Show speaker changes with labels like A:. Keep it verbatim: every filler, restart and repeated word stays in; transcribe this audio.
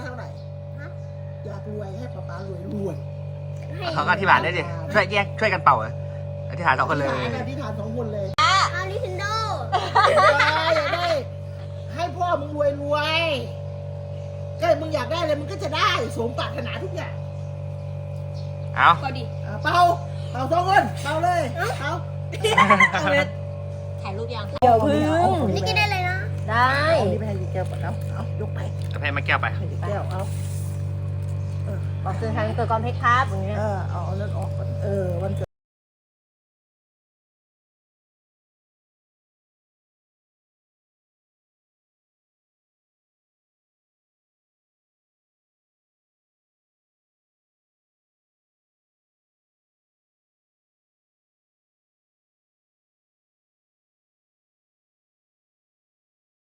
A: เท่าไหร่อยากรวยให้ป๊าป๊ารวยรวย
B: เขาก็อธิบายได้ดิช่วยแยกช่วยกันเป่าเหรออธิษฐานสองคนเลย
A: อธิษฐานสองคนเลย
C: อาริทินโด
A: อยากได้ให้พ่อมึงรวยรวยก็มึงอยากได้อะไรมึงก็จะได้สมปรารถนาทุกอย่าง
B: เอา
C: ก็ดิ
A: อ่ะเป่าเป่าสองคนเป่าเลยเป่า
C: ถ่ายรูปยัง
D: เดี๋ยวพึ่ง
C: นี่กินได้เลยนะ
D: ได้
A: เอานี่ไปให้ยีแก้วก่อนเอาเอายกไป
B: จะให้มาแก้วไป
A: ให้ยีแก้วเอา
D: บอกสื่อทางตัวกรเพชรครับอย่างเงี้ย
A: เออเอาเอาเลือดออกก่อนเออวันเกิด